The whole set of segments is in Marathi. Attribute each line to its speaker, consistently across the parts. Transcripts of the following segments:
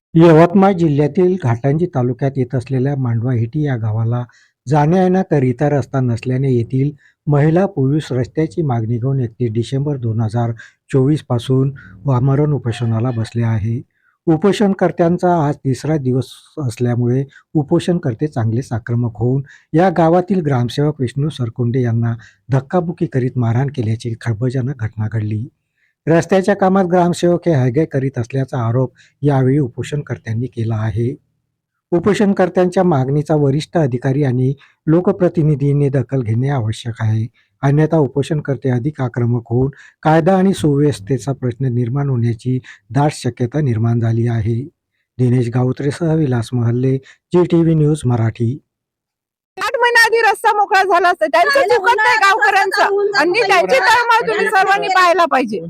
Speaker 1: यवतमाळ जिल्ह्यातील घाटंजी तालुक्यात येत असलेल्या मांडवाहेटी या गावाला जाण्या-येण्याकरिता रस्ता नसल्याने येथील महिला पुरुष रस्त्याची मागणी घेऊन 31 डिसेंबर 2024 पासून आमरण उपोषणाला बसले आहे. उपोषणकर्त्यांचा आज तिसरा दिवस असल्यामुळे उपोषणकर्ते चांगलेच आक्रमक होऊन या गावातील ग्रामसेवक विष्णू सरकुंडे यांना धक्काबुक्की करीत मारहाण केल्याची खळबळजनक घटना घडली. रस्त्याच्या कामात ग्रामसेवक हे हयगय करीत असल्याचा आरोप यावेळी उपोषणकर्त्यांनी केला आहे. उपोषणकर्त्यांच्या मागणीचा वरिष्ठ अधिकारी आणि लोकप्रतिनिधींनी दखल घेणे आवश्यक आहे. अन्यथा उपोषणकर्ते अधिक आक्रमक होऊन कायदा आणि सुव्यवस्थेचा प्रश्न निर्माण होण्याची दाट शक्यता निर्माण झाली आहे. दिनेश गावत्रेसह विलास महल्ले, GTV न्यूज मराठी.
Speaker 2: 8 महिना आधी रस्ता मोकळा झाला असता. त्यांचं चुकत नाही गावकऱ्यांचं आणि त्यांची तळमळ तुम्ही सर्वांनी पाहायला पाहिजे.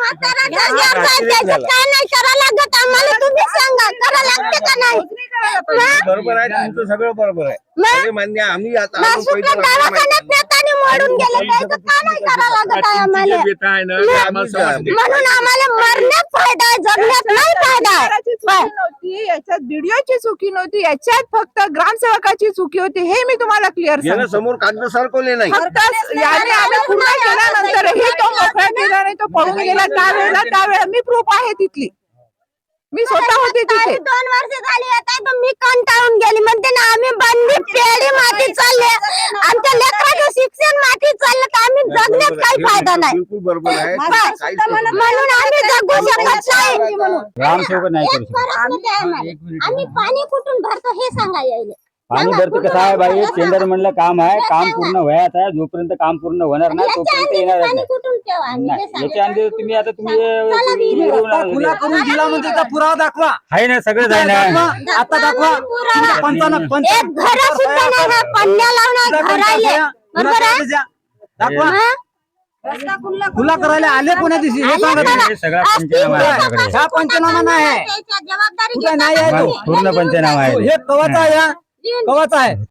Speaker 3: बरोबर आहे, तुमचं सगळं बरोबर आहे. सगळे मान्य आहे. आम्ही आता
Speaker 4: म्हणून आम्हाला मरण्यात फायदा आहे, जगण्यात नाही फायदा आहे.
Speaker 2: याच्यात व्हिडिओची चुकी नव्हती, याच्यात फक्त ग्रामसेवकाची चुकी होती. हे मी तुम्हाला क्लिअर
Speaker 3: यानं समोर कागद सरकवले नाही.
Speaker 2: फक्त याने आम्ही पूर्ण केल्यानंतरही तो मोकळा केला नाही, तो पळून गेला. त्यावेळेला मी प्रूफ आहे तिथली, मी स्वतः होते तिथे.
Speaker 4: 2 वर्ष झाली आता तर मी कंटाळून गेली. म्हणते ना आम्ही बंदी पेढी माती चालले, आमच्या लेकराचं शिक्षण माती चाललं, तर आम्ही जगण्यात काही फायदा नाही.
Speaker 3: बिलकुल बरोबर आहे.
Speaker 4: म्हणून आम्ही जगू शकत नाही.
Speaker 5: ग्रामसेवक नाही करू शकत.
Speaker 4: आम्ही पाणी कुठून भरतो हे सांगा यायला.
Speaker 5: पाणी भरतो कसं आहे बाई, टेंडर म्हणलं काम आहे, काम पूर्ण व्हायचं आहे. जोपर्यंत काम पूर्ण होणार नाही तोपर्यंत येणार
Speaker 4: पाणी
Speaker 5: नाही.
Speaker 4: कुठून ठेवा आम्ही हे सांगा.
Speaker 5: याच्या अंदर तुम्ही आता तुम्ही
Speaker 6: खुला करून दिला म्हणजे त्याचा पुरावा दाखवा.
Speaker 5: आहे ना सगळं आहे ना.
Speaker 6: आता दाखवा.
Speaker 4: एक घर सुद्धा नाही ना, पन्न्या लावणार घरायले. बरोबर आहे?
Speaker 6: दाखवा.
Speaker 4: रस्ता
Speaker 6: खुला करायला आले कोणा दिवशी हे सांगा तुम्ही.
Speaker 5: हे सगळा पंचनामा आहे आपल्याकडे.
Speaker 6: हा पंचनामा नाही आहे,
Speaker 4: जबाबदारी
Speaker 6: कुठे नाही आहे तो.
Speaker 5: पूर्ण पंचनामा आहे.
Speaker 6: हे कवाचा आहे, कवाचा आहे.